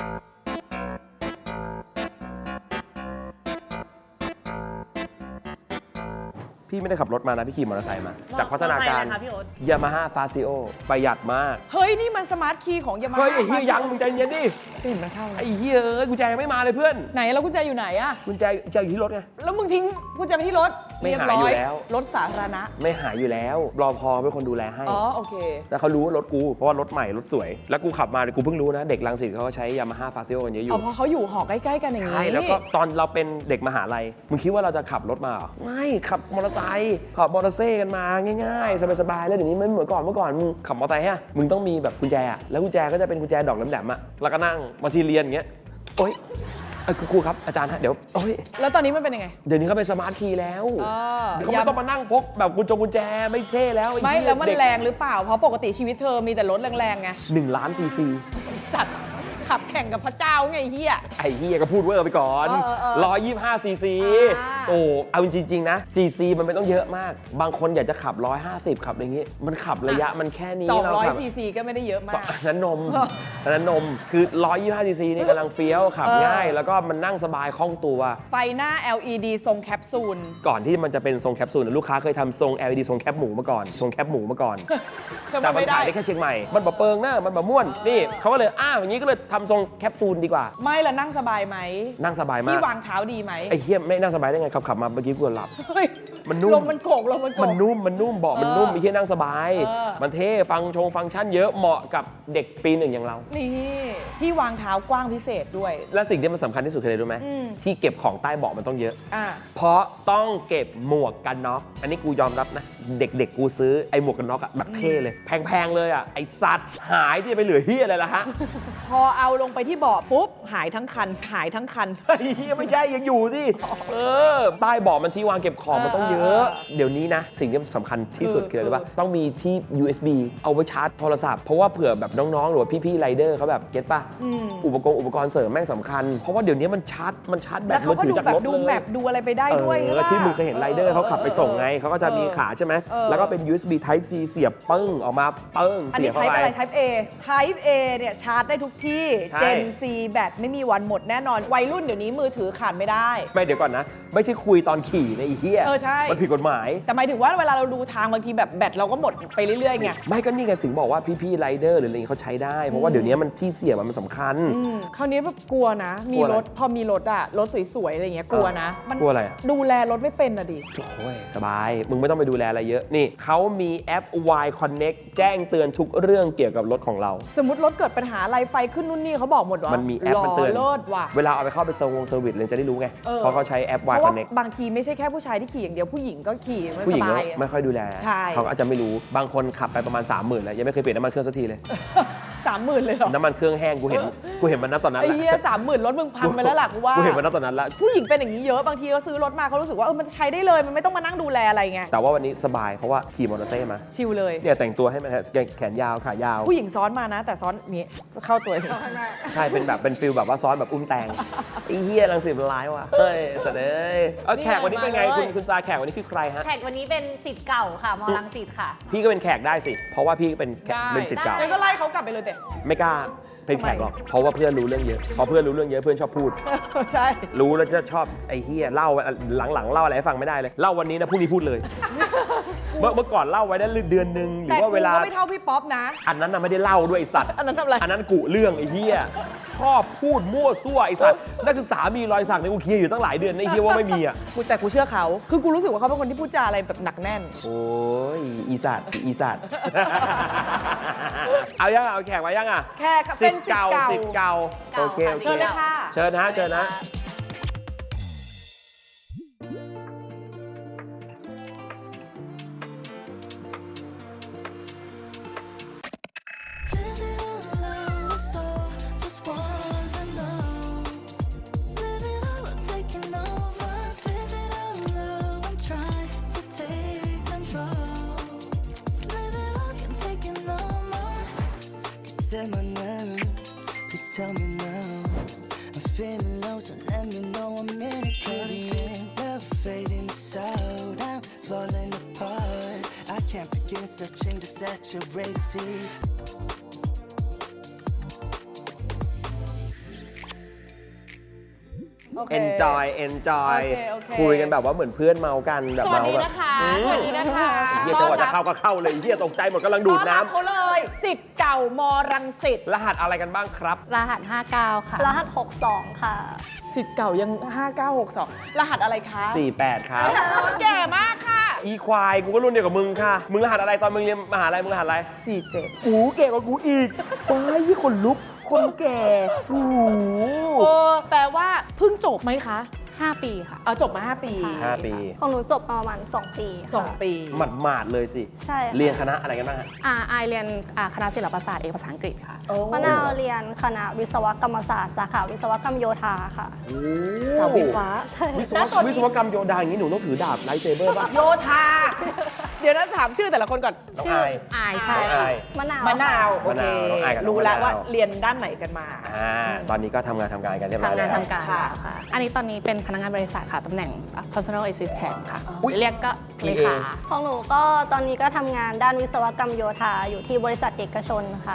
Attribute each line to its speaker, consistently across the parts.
Speaker 1: พี่ไม่ได้ขับรถมานะพี่ขี่มอเตอร์ไซค์มาจากพัฒนาการยามาฮ่าฟาซิโอประหยัดมาก
Speaker 2: เฮ้ยนี่มันสมาร์ทคีย์ของยามาฮ่า
Speaker 1: เฮ้ยไอ้เฮียยังมึงใจเย็นดิ
Speaker 2: เห็นมันเข้า
Speaker 1: ไอ้เฮียกุญแจไม่มาเลยเพื่อน
Speaker 2: ไหนแล้วกุญแจอยู่ไหนอะ
Speaker 1: กุญแจอยู่ที่รถไง
Speaker 2: แล้วมึงทิ้งกุญแจไปที่รถ
Speaker 1: ไม่หายอยู่แล้ว
Speaker 2: รถสาธารณะ
Speaker 1: ไม่หายอยู่แล้วรอพอเป็นคนดูแลให้
Speaker 2: อ๋อโอเค
Speaker 1: แต่เขารู้ว่ารถกูเพราะว่ารถใหม่รถสวยแล้วกูขับมากูเพิ่งรู้นะเด็กรังสิตเขาก็ใช้ยามาฮ่าฟาซิโอกันเยอะอยู่
Speaker 2: เพราะเขาอยู่หอใกล้ๆกันอย่างนี้
Speaker 1: ใช่แล้วก็ตอนเราเป็นเด็กมหาลัยมึงคิดว่าเราจะขับรถมาไม่ขับมอเตอร์ไซค์ขับมอเตอร์ไซค์กันมาง่ายๆสบายๆแล้วเดี๋ยวนี้ไม่เหมือนก่อนเมื่อก่อนมึงขับมอเตอร์ไซค์ฮะมึงต้องมีแบบกุญแจแล้วกุญแจก็จะเป็นกุญแจดอกแหลมๆอ่ะแล้วก็นั่งบางทีเรียนอย่างเงี้ยโอ๊ยครูครับอาจารย์ฮะเดี๋ยวโอ๊ย
Speaker 2: แล้วตอนนี้มันเป็นยังไง
Speaker 1: เดี๋ยวนี้เขาเป็นสมาร์ทคีย์แล้วเขาไม่ต้องมานั่งพกแบบกุญแจไม่เท่แล้ว
Speaker 2: ไม่แล้วมันแรงหรือเปล่าเพราะปกติชีวิตเธอมีแต่รถแรงๆไง
Speaker 1: 1 ล้านซีซี
Speaker 2: สัตว์ขับแข่งกับพระเจ้าไงเฮีย
Speaker 1: ไอ้เฮียก็พูดเวอร์ไปก่อน125ซีซีโอ้เอาจริงๆนะซีซีมันไม่ต้องเยอะมากบางคนอยากจะขับ150ขับอะไรอย่างงี้มันขับระยะมันแค่นี้
Speaker 2: 200ซีซีก็ไม่ได้เยอะมาก
Speaker 1: นั้นนมคือ125ซีซีนี่กำลังเฟี้ยวขับง่ายแล้วก็มันนั่งสบายคล่องตัว
Speaker 2: ไฟหน้า LED ทรงแคปซูล
Speaker 1: ก่อนที่มันจะเป็นทรงแคปซูลลูกค้าเคยทำทรง LED ทรงแคปหมูมาก่อนทรงแคปหมูมาก่อนแต่มันขายได้แค่เชียงใหม่มันแบบเปิงหน้ามันแบบม่วนนี่เขาก็เลยอย่างนี้ก็เลยทำทรงแคปซูลดีกว่า
Speaker 2: ไม่ละนั่งสบายไหม
Speaker 1: นั่งสบายมาก
Speaker 2: ที่วางเท้าดีไหม
Speaker 1: ไอ้เหี้ยไม่นั่งสบายได้ไงขับมาเมื่อกี้กูหลับมันนุ่ม
Speaker 2: ลมมันโกก
Speaker 1: มันนุ่มเบาะมันนุ่มไอ้เหี้ยนั่งสบายมันเท่ฟังก์ชันเยอะเหมาะกับเด็กปี 1อย่างเรา
Speaker 2: นี่ที่วางเท้ากว้างพิเศษด้วย
Speaker 1: และสิ่งที่มันสำคัญที่สุดคืออะไรรู้ไหมที่เก็บของใต้เบาะมันต้องเยอะเพราะต้องเก็บหมวกกันน็อกอันนี้กูยอมรับนะเด็กกูซื้อไอ้หมวกกันน็อกแบบเท่เลยแพงเลยไอ้สัตว์หายที่จะไปเหลือเหี้ยอะไรล่ะฮะ
Speaker 2: พอเอาลงไปที่เบาะปุ๊บหายทั้งคัน
Speaker 1: ไม่ใช่ยังอยู่สิใต้เบาะมันที่วางเก็บของมันต้องเยอะเดี๋ยวนี้นะสิ่งที่สำคัญที่สุดคืออะไรรู้ป่ะต้องมีที่ USB เอาไว้ชาร์จโทรศัพท์เพราะว่าเผื่อแบบน้องๆหรือว่าพี่ๆไรเดอร์เขาแบบเก็ตป่ะอุปกรณ์เสริมแม่งสำคัญเพราะว่าเดี๋ยวนี้มันชาร์จแบบมือถือจากรถเลย
Speaker 2: ดูแมปดูอะไรไปได้ด้วย
Speaker 1: ที่มึงเคยเห็นไรเดอร์เขาขับไปส่งไงเขาก็จะมีขาใช่ไหมแล้วก็เป็น USB Type C เสียบปึ้งออกมา
Speaker 2: เสียบเข้าไปอันนี้ Type A Type A เนี่ยชาร์จได้ทุกที่ Gen C แบตไม่มีวันหมดแน่นอนวัยรุ่นเดี๋ยวนี้มือถือขาดไม่ได้
Speaker 1: ไม่เดี๋ยวก่อนนะไม่ใช่คุยตอนขี่ในเฮีย
Speaker 2: ใช่
Speaker 1: มันผิดกฎหมาย
Speaker 2: แต่หมายถึงว่าเวลาเราดูทางบางทีแบบแบตเราก็หมดไปเรื่อยๆไง
Speaker 1: ไม่ก็นี่ไงถึงบอกว่าพี่ๆไรเดอร์หรืออะไรเขาใช้ได้เพราะว่าเดี๋ยวนี้มันที่เสียบมันสำคัญ
Speaker 2: คราวนี้แบบกลัวนะมีรถพอมีรถรถสวยๆอะไรเงี้ยกลัวนะ
Speaker 1: กลัวอะไร
Speaker 2: ดูแลรถไม่เป็นดิ
Speaker 1: โอ้ยสบายมึงไม่ต้องไปดูแลอะไรเยอะนี่เขามีแอป Y Connect แจ้งเตือนทุกเรื่องเกี่ยวกับรถของเรา
Speaker 2: สมมติรถเกิดปัญหาอะไรไฟขึ้นนู่นนี่เขาบอกหมดว่า
Speaker 1: มันมีแอปมันเตือนเวลาเอาไปเข้าไปเซอร์วิสเลยจะได้รู้ไงเพราะเขาใช้แอป Y Connect
Speaker 2: บางทีไม่ใช่แค่ผู้ชายที่ขี่อย่างเดียวผู้หญิงก็ขี่
Speaker 1: ผู้หญิงไม่ค่อยดูแลเขาอาจจะไม่รู้บางคนขับไปประมาณ 30,000 แล้วยังไม่เคยเปลี่ยนน้ำมันเครื่องสักทีเลย
Speaker 2: 30,000เลยเหรอ
Speaker 1: น้ำมันเครื่องแห้งกูเห็นมันตอนนั้น
Speaker 2: ไอ้เหี้ย30,000รถมึงพังไปแล้วล่ะกูว่า
Speaker 1: กูเห็นมันตอนนั้นแล้ว
Speaker 2: ผู้หญิงเป็นอย่างนี้เยอะบางทีเขาซื้อรถมาเขารู้สึกว่ามันใช้ได้เลยมันไม่ต้องมานั่งดูแลอะไรไง
Speaker 1: แต่ว่าวันนี้สบายเพราะว่าขี่มอเตอร์ไซค์มา
Speaker 2: ชิลเลย
Speaker 1: เนี่ยแต่งตัวให้มันแขนยาวขายาว
Speaker 2: ผู้หญิงซ้อนมานะแต่ซ้อนนี้เข้าตัว
Speaker 1: ใช่เป็นฟิลแบบว่าซ้อนแบบอุ้มแตงไอ้เหี้ยรังสิตร้ายว่ะเฮ้ยเสด็จแขกวันนี้เป็นไงคุณซาแขกวันนี้คือใครฮะ
Speaker 3: แขกวันนี้เป็นศิษย์เก่าค่ะมรังสิตค่ะ
Speaker 1: พี่ก็เป็นแขกได้สิเพราะว่าพี่เป็นศิษย์เก่า
Speaker 2: ก็ไล่เขากลับไปเลยแต่
Speaker 1: ไม่กล้าเป็นแขกหรอกเพราะว่าเพื่อนรู้เรื่องเยอะพอเพื่อนรู้เรื่องเยอะเพื่อนชอบพูด
Speaker 2: ใช่
Speaker 1: รู้แล้วจะชอบไอ้เฮียเล่าหลังเล่าอะไรให้ฟังไม่ได้เลยเล่าวันนี้นะพรุ่งนี้พูดเลยเมื่อก่อนเล่าไว้ได้เดือนนึงหรือว่าเวลา
Speaker 2: ก็ไม่เท่าพี่ป๊อปนะ
Speaker 1: อันนั้นน่ะไม่ได้เล่าด้วยไอ้สัตว์
Speaker 2: อันนั้นทำอะไร
Speaker 1: อันนั้นกุเรื่องไอ้เฮียชอบพูดมั่วซั่วไอ้สัตว์นักศึกษามีรอยสักในกูเคลียร์อยู่ตั้งหลายเดือนไอ้เฮียว่าไม่มีอ่ะ
Speaker 2: แต่กูเชื่อเขาคือกูรู้สึกว่าเขาเป็นคนที่พูดจาอะไรแบบหนักแน่น
Speaker 1: โอ้ยอีสัตว์เอายังเอาแขกมายังอ่ะ
Speaker 2: แขกเป็นศิษย์เก่า
Speaker 1: โอเค
Speaker 2: เชิญเลยค่ะ
Speaker 1: เชิญนะ
Speaker 4: Please tell me now. I'm feeling low, so let me know I'm in it. Carrying love fading out. I'm falling apart. I can't begin searching to saturate feet.
Speaker 2: โอเค
Speaker 1: enjoy
Speaker 2: โอเค
Speaker 1: คุยกันแบบว่าเหมือนเพื่อนเมากันแบบ
Speaker 2: สวัส
Speaker 1: เมา
Speaker 2: ดี
Speaker 1: แบบ
Speaker 2: นะคะสวัสดีนะคะ
Speaker 1: เฮียจังหวะจะเข้าก็เข้าเลยเฮียตกใจหมดกำลังดูดน้
Speaker 2: ต้อรับเขาเลยสิทธิ์เก่ามรังสิต
Speaker 1: ำรหัสอะไรกันบ้างครับ
Speaker 3: รหัส 59 ค่ะ
Speaker 5: รหัส 62 ค่ะ
Speaker 2: สิทธิ์เก่ายัง 5962 รหัสอะไรคะ
Speaker 1: 48 ครับ
Speaker 2: แก่มากค่ะ
Speaker 1: อีควายกูก็รุ่นเดียวกับมึงค่ะ มึงรหัสอะไรตอนมึงเรียนมหาลัยมึงรหัสอะไร
Speaker 2: 47
Speaker 1: กูแก่กว่ากูอีกว้ายยี่คนลุกคนแก่โอ้โห
Speaker 2: โอ้แปลว่าเพิ่งจบไหมคะ
Speaker 3: 5 ปีค่ะ
Speaker 2: เอาจบมา 5 ปี
Speaker 1: 5 ปี
Speaker 5: ของหนูจบมาประมาณ 2 ปีค่ะ
Speaker 2: 2 ปี
Speaker 1: หมาดๆเลยสิ
Speaker 5: ใช่ค่ะ
Speaker 1: เรียนคณะอะไรกันบ้างฮะ
Speaker 3: อายเรียนคณะศิลปศาสตร์เอกภาษาอังกฤษค่ะ
Speaker 2: โอ้
Speaker 5: มะนาวเรียนคณะวิศวกรรมศาสตร์สาขาวิศวกรรมโยธาค่ะ
Speaker 2: สาววิทย์วะ
Speaker 5: ใช่
Speaker 1: วิศวกรรมโยธาอย่างนี้หนูต้องถือดาบไลท์เซเบอร์ป่ะ
Speaker 2: โยธา เดี๋ยวนะถามชื่อแต่ละคนก่อน
Speaker 1: น้อง
Speaker 3: ชื่อ
Speaker 1: อาย
Speaker 3: อายใช่
Speaker 1: น้องอาย
Speaker 5: มะนาว
Speaker 2: มะนาว โอเค
Speaker 1: มะนาวน้องอายกับน้อง
Speaker 2: รู้แล้ว
Speaker 1: มะนาว
Speaker 2: ว่าเรียนด้านไหนกันมา
Speaker 1: ตอนนี้ก็ทำงานกันเรียบร้อย
Speaker 3: ทำงาน
Speaker 1: แล้ว
Speaker 3: ทำการ
Speaker 2: ค่ะ
Speaker 3: แล้วค่ะ อันนี้ตอนนี้เป็นพนักงานบริษัทค่ะ ตำแหน่ง personal assistant ค่ะ
Speaker 1: อุ๊ย
Speaker 3: เรียกก็เลขา
Speaker 5: ของหนูก็ตอนนี้ก็ทำงานด้านวิศวกรรมโยธาอยู่ที่บริษัทเอกชนค่ะ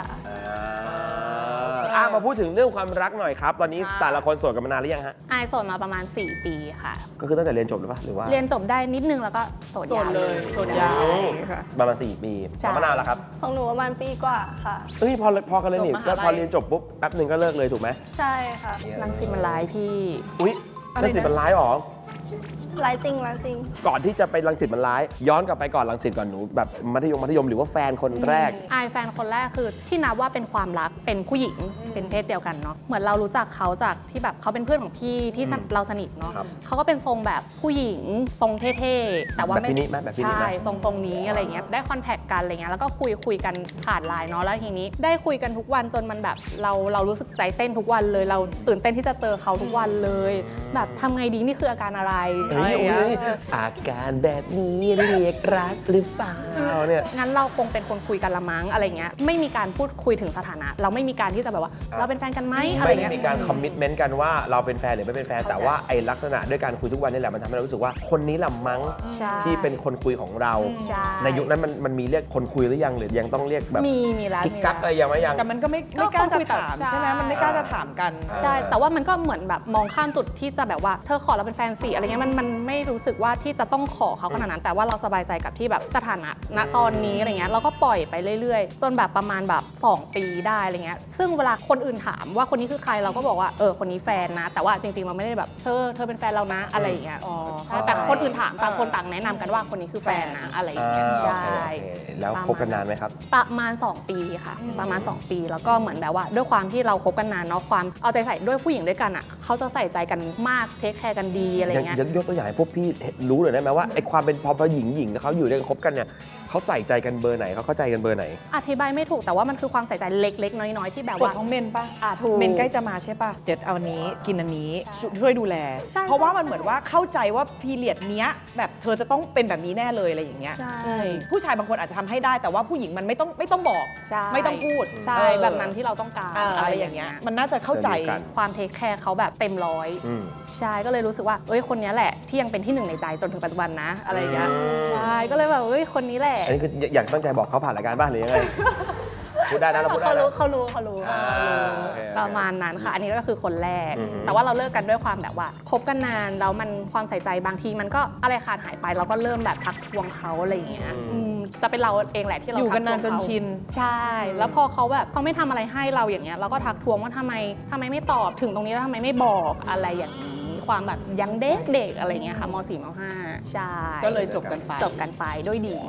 Speaker 1: มาพูดถึงเรื่องความรักหน่อยครับ ตอนนี้
Speaker 2: ค่ะ
Speaker 1: แต่ละคนโสดกันมานานหรือยังฮะ
Speaker 3: อายโสดมาประมาณ 4 ปีค่ะ
Speaker 1: ก็คือตั้งแต่เรียนจบหรือเปล่าหรือว่า
Speaker 3: เรียนจบได้นิดนึงแล้วก็โสด
Speaker 2: โสด
Speaker 3: ยาว
Speaker 2: เลยโสดยาว
Speaker 3: ค่ะ
Speaker 1: ประมาณ4 ปี
Speaker 3: ใช่
Speaker 1: มะนาวแล้วครับ
Speaker 5: ของหนูประมาณปีกว่าค่ะ
Speaker 1: เอ้ยพอกันเลยนี่
Speaker 2: จบมหาลัย
Speaker 1: ก็พอเรียนจบปุ๊บแป๊บหนึ่งก็เลิกเลยถูกไหม
Speaker 5: ใช่ค่ะ
Speaker 3: รังสิตมันร้ายพี่
Speaker 1: อุ๊ย
Speaker 2: อะไรนะ
Speaker 1: รังสิตมันร้ายหรอ
Speaker 5: ร้ายจริงร้ายจริง
Speaker 1: ก่อนที่จะไปรังสิตมันร้าย ย้อนกลับไปก่อนรังสิตก่อนหนูแบบมัธยมหรือว่าแฟนคนแรก
Speaker 3: อายแฟนคนแรกคือที่นับว่าเป็นความรักเป็นผู้หญิงเป็นเพศเดียวกันเนาะเหมือนเรารู้จักเขาจากที่แบบเขาเป็นเพื่อนของพี่ที่เราสนิทเนาะ
Speaker 1: ครับ
Speaker 3: เขาก็เป็นทรงแบบผู้หญิงทรงเท่ๆแต่ว่า
Speaker 1: แบบพี่นิไหมแบบพี่นิไหม
Speaker 3: ใช่ทรงนี้อะไรเงี้ยได้คอนแทคกันอะไรเงี้ยแล้วก็คุยกันผ่านไลน์เนาะแล้วทีนี้ได้คุยกันทุกวันจนมันแบบเรารู้สึกใจเต้นทุกวันเลย เราตื่นเต้นที่จะเจอเขาทุกวันเลย แบบทำไงดีนี่คืออาการอะไร
Speaker 1: เฮ้ย
Speaker 3: อะไรเงี้ย
Speaker 1: อาการแบบนี้เรียกรักหรือเปล่าเนี่ย
Speaker 3: งั้นเราคงเป็นคนคุยกันละมั้งอะไรเงี้ยไม่มีการพูดคุยถึงสถานะ เราไม่มีการที่จะแบบว่า เราเป็นแฟนกันไหมอะไร
Speaker 1: ไม่ได้
Speaker 3: เงี้ย
Speaker 1: มีการคอมมิตเมนต์กันว่าเราเป็นแฟนหรือไม่เป็นแฟน แต่ว่าไอ้ลักษณะด้วยการคุยทุกวันนี่แหละมันทำให้เรารู้สึกว่าคนนี้ละมั้ง
Speaker 3: ใช่
Speaker 1: ที่เป็นคนคุยของเรา
Speaker 3: ใช่
Speaker 1: ในยุคนั้นมันมีเรียกคนคุยหรือยังหรือยังต้องเรียกแบบ
Speaker 3: มีแล้ว
Speaker 1: กิ๊ก
Speaker 3: มี
Speaker 1: กักอะไรยังไม่ยัง
Speaker 2: แต่มันก็ไม่
Speaker 3: ก็
Speaker 2: กล้าจะ
Speaker 3: คุยแต่
Speaker 2: ถาม
Speaker 3: ใช่
Speaker 2: ใช่ไหมมันไม่กล้าจะถามกัน
Speaker 3: ใช่แต่ว่ามันก็เหมือนแบบมองข้ามจุดที่จะแบบว่าเธอขอเราเป็นแฟนสิอะไรเงี้ยมันไม่รู้สึกว่าที่จะต้องขอเขาขนาดนั้น แต่ว่าเราสบายใจกับที่แบบสถานะณตอนนี้อะไรเงี้ยเราก็ปล่อยไปเรื่อยๆ จนแบบประมาณแบบ2 ปีได้อะไรเงี้ยซึ่งเวลาคนอื่นถามว่าคนนี้คือใครเราก็บอกว่าคนนี้แฟนนะ แต่ว่าจริงๆเราไม่ได้แบบเธอเป็นแฟนเรานะอะไรอย่างเงี้ย
Speaker 2: อ๋อ
Speaker 3: ใช่แต่คนอื่นถามต่างคนต่างแนะนำกันว่าคนนี้คือแฟนนะอะไรอย่างเงี้ยใช่
Speaker 1: โอเคแล้วคบกันนานไหมครับ
Speaker 3: ประมาณ 2 ปีค่ะ ประมาณ 2 ปีแล้วก็เหมือนแบบว่า ด้วยความที่เราคบกันนานเนาะความเอาใจใส่ด้วยผู้หญิงด้วยกันอ่ะเขาจะใส่ใจกันมากเทคแคร์กันดีอะไรเงี้ย
Speaker 1: ยกตัวอย่างให้พวกพี่รู้หน่อยได้ไหมว่าไอ้ความเป็นพอหญิงเขาอยู่ด้วยกันคบกันเนี่ยเขาใส่ใจกันเบอร์ไหนเขาเข้าใจกันเบอร์ไหน
Speaker 3: อธิบายไม่ถูกแต่ว่ามันคือความใส่ใจเล็กๆ น้อยๆ ที่แบบ
Speaker 2: ปวด
Speaker 3: ว่า
Speaker 2: ท้องเมนปะ
Speaker 3: ถูก
Speaker 2: เมนใกล้จะมาใช่ปะเดี๋ยวเอาอันนี้กินอันนี้ช่วยดูแล
Speaker 3: ใช่
Speaker 2: เพราะว่ามันเหมือนว่าเข้าใจว่าพีเรียดเนี้ยแบบเธอจะต้องเป็นแบบนี้แน่เลยอะไรอย่างเงี้ย
Speaker 3: ใช่
Speaker 2: ผู้ชายบางคนอาจจะทำให้ได้แต่ว่าผู้หญิงมันไม่ต้องบอก
Speaker 3: ใช่
Speaker 2: ไม่ต้องพูด
Speaker 3: ใช่
Speaker 2: เออ
Speaker 3: แบบนั้นที่เราต้องการ
Speaker 2: อะไรอย่างเงี้ยมันน่าจะเข้าใจ
Speaker 1: จะรู้กัน
Speaker 3: ความเทคแคร์เขาแบบเต็มร้อย
Speaker 1: อืม
Speaker 3: ใช่ก็เลยรู้สึกว่าคนนี้แหละที่ยังเป็นที่หนึ่งในใจจนถึงปัจจุบันนะอะไรอย่างเงี้ย
Speaker 1: อืม
Speaker 3: ใช่ก็เลยแบบคนนี้แหละ
Speaker 1: อันนี้คืออยากตั้งใจบอกเขาผ่านรายการบ้างหรือยังไง พูดได้นะเราพูดได้
Speaker 3: เขา
Speaker 1: นะ
Speaker 3: รู้
Speaker 1: โอเค
Speaker 3: ประมาณนั้นค่ะ อันนี้ก็คือคนแรก
Speaker 1: อือฮึ
Speaker 3: แต่ว่าเราเลิกกันด้วยความแบบว่าคบกันนานแล้วมันความใส่ใจบางทีมันก็อะไรขาดหายไปเราก็เริ่มแบบทักทวงเขาอะไรอย่างเงี้ยจะเป็นเราเองแหละที่เรา
Speaker 2: อยู่กันนาน
Speaker 3: ทัทวง
Speaker 2: จน
Speaker 3: เข
Speaker 2: ชิน
Speaker 3: ใช่ แล้วพอเขาแบบเขาไม่ทำอะไรให้เราอย่างเงี้ยเราก็ทักทวงว่าทำไมไม่ตอบถึงตรงนี้แล้วทำไมไม่บอกอะไรอย่างนี้ความแบบยังเด็กๆอะไรเงี้ยค่ะม .4 ม .5 ใช่
Speaker 2: ก็เลยจบกันไป
Speaker 3: จบกันไปด้วยดี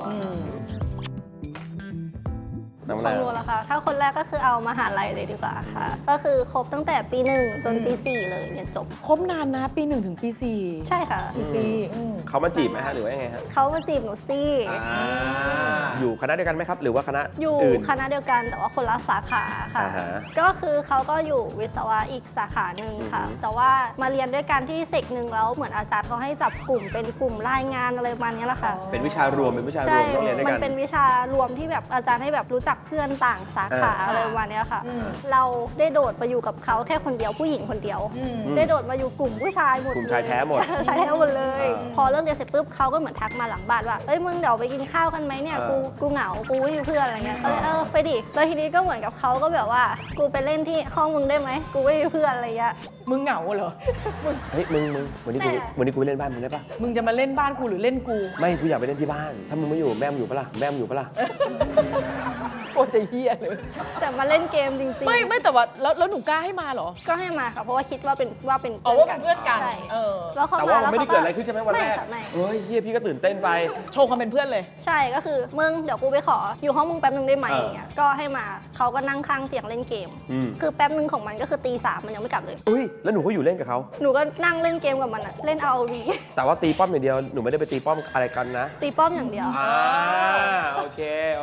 Speaker 1: น้ำ
Speaker 5: ข
Speaker 1: ลา
Speaker 5: องหนูล่ะคะถ้าคนแรกก็คือเอามหาลัยเลยดีกว่าค่ะ ก็คือคบตั้งแต่ปี 1 จนปี 4 เลยเรียนจบ
Speaker 2: คบนานนะปี 1 ถึงปี 4
Speaker 5: ใช่ค่ะ
Speaker 2: 4 ปีอืม
Speaker 1: เขามาจีบไหมฮะหรือว่ายังไงฮะ
Speaker 5: เขามาจีบหนูสิ
Speaker 1: อยู่คณะเดียวกันไหมครับ หรือว่าคณะ
Speaker 5: อยู่
Speaker 1: อื่น
Speaker 5: คณะเดียวกันแต่ว่าคนละสาขาค่ะ
Speaker 1: อ่าฮะ
Speaker 5: ก็คือเขาก็อยู่วิศวะอีกสาขาหนึ่งค่ะ แต่ว่ามาเรียนด้วยกันที่เซกหนึ่งแล้วเหมือนอาจารย์เขาให้จับกลุ่มเป็นกลุ่มรายงานอะไรประมาณนี้แหละค่ะ
Speaker 1: เป็นวิชารวมต้องเรียนด้วย
Speaker 5: มั
Speaker 1: กัน
Speaker 5: เป็นวิชารวมที่แบบอาจารย์ให้แบบรู้จักเพื่อนต่างสาขาอะไรประมาณเนี้ยค่ะ เราได้โดดมาอยู่กับเขาแค่คนเดียวผู้หญิงคนเดียว ได้โดดมาอยู่กลุ่มผู้ชายหมด
Speaker 1: กลุ่มชายแท้หมด
Speaker 5: ชายแท้หมดเลย
Speaker 1: อ่า
Speaker 5: พอเลิกเรียนเสร็จปุ๊บเขาก็เหมือนทักมาหลังบ้านว่าเอ้ยมึงเดี๋ยวไปกินข้าวกันไหมเนี่ยกูเหงากูไม่มีเพื่อนอะไรเงี้ยก็เลยไปดิแล้วทีนี้ก็เหมือนกับเขาก็แบบว่ากูไปเล่นที่ห้องมึงได้ไหมกูไม่มีเพื่อนอะไรเงี้ย
Speaker 2: มึงเหงาเหรอ
Speaker 1: เฮ้ยมึงวันนี้กูไปเล่นบ้านมึงได้ปะ
Speaker 2: มึงจะมาเล่นบ้านกูหรือเล่นกู
Speaker 1: ไม่กูอยากไปเล่นที่บ้าน ถ้ามึงไม่อยู่แม่มึงอยู่ปะล่ะแม่มึงอยู่ปะล่ะ
Speaker 2: โคตรจะเฮี้ยเลย
Speaker 5: แต่มาเล่นเกมจริงๆ
Speaker 2: ไม่แต่ว่าแล้วหนูกล้าให้มาเหรอ
Speaker 5: ก็ให้มาค่ะเพราะว่าคิดว่าเป็น
Speaker 2: อ๋อว่าเป็นเพื่อนกัน
Speaker 5: ใช่
Speaker 2: เออ
Speaker 5: แล้วเขา
Speaker 1: แต่
Speaker 5: มา
Speaker 1: ว่า
Speaker 5: แล้ว
Speaker 1: ไม่
Speaker 5: เขา
Speaker 1: ได้เกิดอะไรขึ้นใช่ไหมวันแรก
Speaker 5: ค่ะไม่
Speaker 1: เฮ้ยเฮียพี่ก็ตื่นเต้นไป
Speaker 2: โชว์ความเป็นเพื่อนเลย
Speaker 5: ใช่ก็คือมึงเดี๋ยวกูไปขออยู่ห้องมึงแป๊บนึงได้ไหม
Speaker 1: เออ
Speaker 5: อย่างเงี้ยก็ให้มาเขาก็นั่งข้างเตียงเล่นเกม
Speaker 1: อืม
Speaker 5: คือแป๊บนึงของมันก็คือตี 3มันยังไม่กลับเลย
Speaker 1: อุ้ยแล้วหนูก็อยู่เล่นกับเขา
Speaker 5: หนูก็นั่งเล่นเกมกับมันอะเล่น ROV
Speaker 1: แต่ว่าตีป้อมอย่างเดียวหนูไม่ได้ไปตีป้อมอะไรกันนะ
Speaker 5: ตีป้อมอย่างเดียว
Speaker 1: โอเค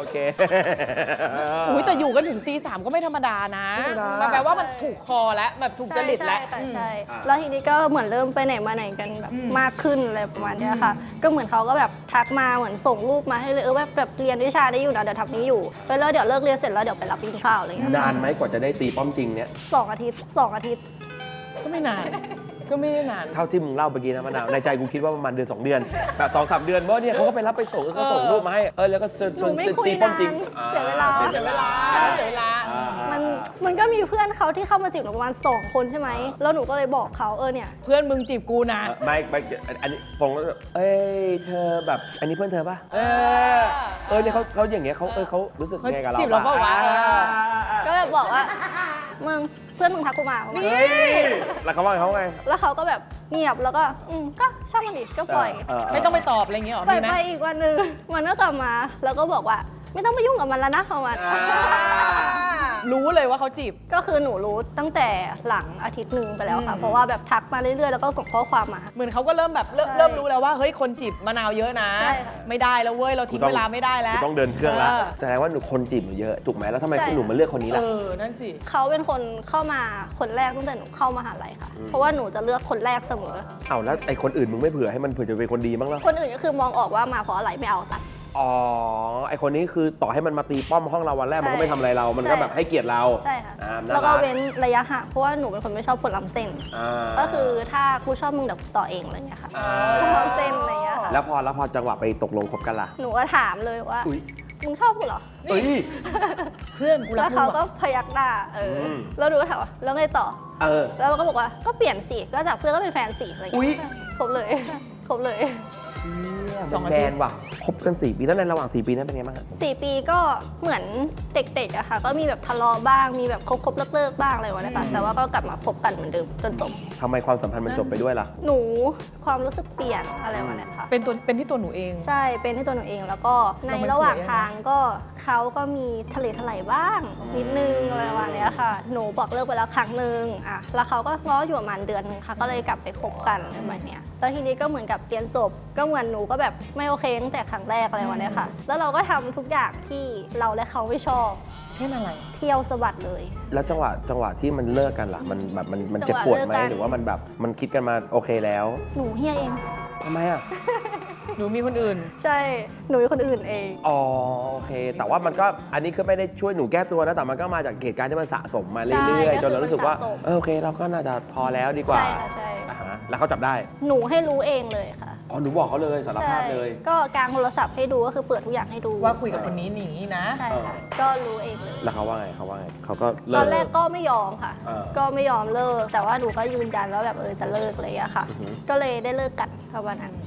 Speaker 2: อุ้ยแต่อยู่กันถึงตี 3ก็ไม่ธรรมดานะ
Speaker 1: ไม่ธรรมดา
Speaker 2: มันแปลว่ามันถูกคอแล้วแบบถูกจริตแล้ว
Speaker 5: ใช่
Speaker 2: อืม
Speaker 5: ใช่แล้วทีนี้ก็เหมือนเริ่มไปไหนมาไหนกันแบบมากขึ้นอะไรประมาณเนี้ยค่ะ ก็เหมือนเขาก็แบบทักมาเหมือนส่งรูปมาให้เลยแบบเรียนวิชาได้อยู่นะเดี๋ยวทำนี้อยู่แล้วเดี๋ยวเลิกเรียนเสร็จแล้วเดี๋ยวไปรับกินข้าวอะไรเงี้ย
Speaker 1: นานไหมกว่าจะได้ตีป้อมจริงเนี่ย
Speaker 5: 2 อาทิตย์ 2 อาทิตย์
Speaker 2: ก็ไม่นาน ก็ไม่ได้นาน
Speaker 1: เท่าที่มึงเล่าเมื่อกี้นะมะนาวในใจกูคิดว่าประมาณเดือน 2 เดือนแบบ2-3 เดือนเพราะเนี่ยเขาก็ไปรับไปส่งก็ส่งรูปมาให้แล้วก็จะ
Speaker 5: หนูไม่
Speaker 1: จะ
Speaker 5: คุย
Speaker 1: ตีป้อมจริง
Speaker 5: นานเสียเวลา
Speaker 1: เสียเวลา
Speaker 2: เสียเวลา
Speaker 5: มันก็มีเพื่อนเขาที่เข้ามาจีบหนูประมาณ2 คนใช่ไหมแล้วหนูก็เลยบอกเขาเนี่ย
Speaker 2: เพื่อนมึงจีบกูนะ
Speaker 1: ไม่อันนี้ตรงแล้วเอ้ยเธอแบบอันนี้เพื่อนเธอป่ะเนี่ยเขาอย่างเงี้ยเขารู้สึกไงกับเรา
Speaker 2: จีบเราเปล่าวะ
Speaker 5: ก็แบบบอกว่ามึงเพื่อนมึงทักกูมาประมาณ
Speaker 1: เฮ้ยแล้วเขาว่าไงเขาไง
Speaker 5: แล้วเขาก็แบบเงียบแล้วก็ก็ช่างมันดิก็ปล่อย
Speaker 2: ไม่ต้องไปตอบอะไรอย่างเงี้ยหรอ
Speaker 5: ไป
Speaker 2: มีไหม
Speaker 5: ไปอีกวันหนึ่งมันก็กลับมา แล้วก็บอกว่าไม่ต้องไปยุ่งกับมันแล้วนะประมาณ
Speaker 2: รู้เลยว่าเขาจีบ
Speaker 5: ก็คือหนูรู้ตั้งแต่หลังอาทิตย์หนึ่งไปแล้วค่ะ เพราะว่าแบบทักมาเรื่อยๆ แล้วก็ส่งข้อความมา
Speaker 2: เหมือนเขาก็เริ่มแบบเริ่ม
Speaker 5: ใช่
Speaker 2: เริ่มรู้แล้วว่าเฮ้ยคนจีบมะนาวเยอะนะ
Speaker 5: ใช่ค่ะ
Speaker 2: ไม่ได้แล้วเว้ยเราทิ้งเวลาไม่ได้แล้ว
Speaker 1: ต้องเดินเครื่องแล้ว
Speaker 2: เออ
Speaker 1: แสดงว่าหนูคนจีบหนูเยอะถูกไหมแล้วทำไม
Speaker 5: ใช่
Speaker 1: คุณหนูมาเลือกคนนี้ล่ะ
Speaker 2: นั่นสิ
Speaker 5: เขาเป็นคนเข้ามาคนแรกตั้งแต่หนูเข้ามหาลัยค่ะ เพราะว่าหนูจะเลือกคนแรกเสมอ
Speaker 1: เอาแล้วไอ้คนอื่นมึงไม่เผื่อให้มันเผื่อจะเป็นคนดีบ้างล่ะ
Speaker 5: คนอื่นก็คือมองออกว่ามาเพราะอะไรไม่เอาตัด
Speaker 1: อ๋อไอ้คนนี้คือต่อให้มันมาตีป้อมห้องเราวันแรกมันก็ไม่ทำอะไรเรา มันก็
Speaker 5: ใช่
Speaker 1: แบบให้เกียรติเรา
Speaker 5: ใช่ค่ะ
Speaker 1: น่า
Speaker 5: แล้วก็
Speaker 1: รัก
Speaker 5: เว้นระยะห่างเพราะว่าหนูเป็นคนไม่ชอบคนล้ำเส้น ก็คือถ้ากูชอบมึงเดี๋ยวกูต่อเองอะไรเงี้ยค่ะคนล้ำเส้นอะไรเงี้ยค่ะ
Speaker 1: แล้วพอจังหวะไปตกลงคบกันล่ะ
Speaker 5: หนูก็ถามเลยว่า
Speaker 1: อุ๊ย
Speaker 5: มึงชอบกูเหรอ
Speaker 1: เฮ้ย
Speaker 2: เพื่อนกูรั
Speaker 5: แล้
Speaker 2: ก
Speaker 5: ว
Speaker 2: มึ
Speaker 5: เขา
Speaker 2: ง
Speaker 5: ก็
Speaker 2: ว่ะ
Speaker 5: พยักหน้า
Speaker 1: ม
Speaker 5: เออแล้วหนูก็ถามว่าแล้วไงต่อ แล้วมันก็บอกว่าก็เปลี่ยนสิก็จากเพื่อนก็เป็นแฟนสิอะไร
Speaker 1: อุ๊ย
Speaker 5: เงี้ยครบเลยครบเลย
Speaker 1: แมนว่ะคบกัน4 ปีแล้วในระหว่าง4 ปีนั้นเป็นไงบ้างฮะ
Speaker 5: 4 ปีก็เหมือนเด็กๆอะค่ะก็มีแบบทะเลาะบ้างมีแบบคบเลิกๆบ้างอะไรวะนะคะแต่ว่าก็กลับมาคบกันเหมือนเดิมจนจบ
Speaker 1: ทำไมความสัมพันธ์มันจบไปด้วยล่ะ
Speaker 5: หนูความรู้สึกเปลี่ยนอะไรวะเนี่ยค่ะ
Speaker 2: เป็นที่ตัวหนูเอง
Speaker 5: ใช่ เป็นที่ตัวหนูเองแล้วก็ใน
Speaker 2: เรามัน
Speaker 5: ระหว่าง
Speaker 2: สวยอะ
Speaker 5: ทางก็เขาก็มีทะเลถลายบ้างนิดนึงอะไรประมาณเนี้ยค่ะ หนูบอกเลิกไปแล้วครั้งหนึ่งอ่ะแล้วเขาก็ง้ออยู่ประมาณเดือนนึงค่ะ ก็เลยกลับไปคบกันอะไรประมาณเนี้ยแล้วทีนี้ก็เหมือนกับเรียนจบ ก็เหมือนหนูก็แบบไม่โอเคตั้งแต่ครั้งแรกอะไรประมาณเนี้ยค่ะ แล้วเราก็ทำทุกอย่างที่เราและเขาไม่ชอบ
Speaker 2: เช่นอะไร
Speaker 5: เที่ยวสะบัดเลย
Speaker 1: แล้วจังหวะที่มันเลิกกันล่ะมันแบบมันเจ็บปวดไหม
Speaker 5: จังหวะเลิกกัน
Speaker 1: หรือว่ามันแบบมันคิดกันมาโอเคแล้ว
Speaker 5: หนูเฮียเอง
Speaker 1: ทำไมอ่ะ
Speaker 2: หนูมีคนอื่น
Speaker 5: ใช่ หนูเป็นคนอื่นเอง
Speaker 1: อ๋อโอเค แต่ว่ามันก็อันนี้คือไม่ได้ช่วยหนูแก้ตัวนะ แต่มันก็มาจากเหตุการณ์ที่มันสะสมมาเรื่อย
Speaker 5: ใช่
Speaker 1: ๆ จนเรารู้สึกว่า
Speaker 5: ก็คือมันสะสม
Speaker 1: โอเค เราก็น่าจะพอแล้วดีกว่า
Speaker 5: ใช่ค่ะใช่
Speaker 1: อ่าฮะแล้วเขาจับได้
Speaker 5: หนูให้รู้เองเลยค่ะ
Speaker 1: อ๋อ หนูบอกเขาเลยสารภาพเลย
Speaker 5: ใช่ก็กางโทรศัพท์ให้ดูก็คือเปิดทุกอย่างให้ดู
Speaker 2: ว่าคุยกับคนนี้หนีนะ
Speaker 5: ใช่ค่ะก็รู้เองเลย
Speaker 1: แล้วเขาว่าไงเขาก็เลิ
Speaker 5: ตอก นแรกก็ไม่ยอมค่ะ
Speaker 1: เออ
Speaker 5: ก็ไม่ยอมเลิก แต่ว่าหนูก็ยืนยันว่าแบบจะเลิกอะไรอย่างเลยอะค่ะ
Speaker 1: อือหือ
Speaker 5: ก็เลยได้เลิกกันประมาณนั้น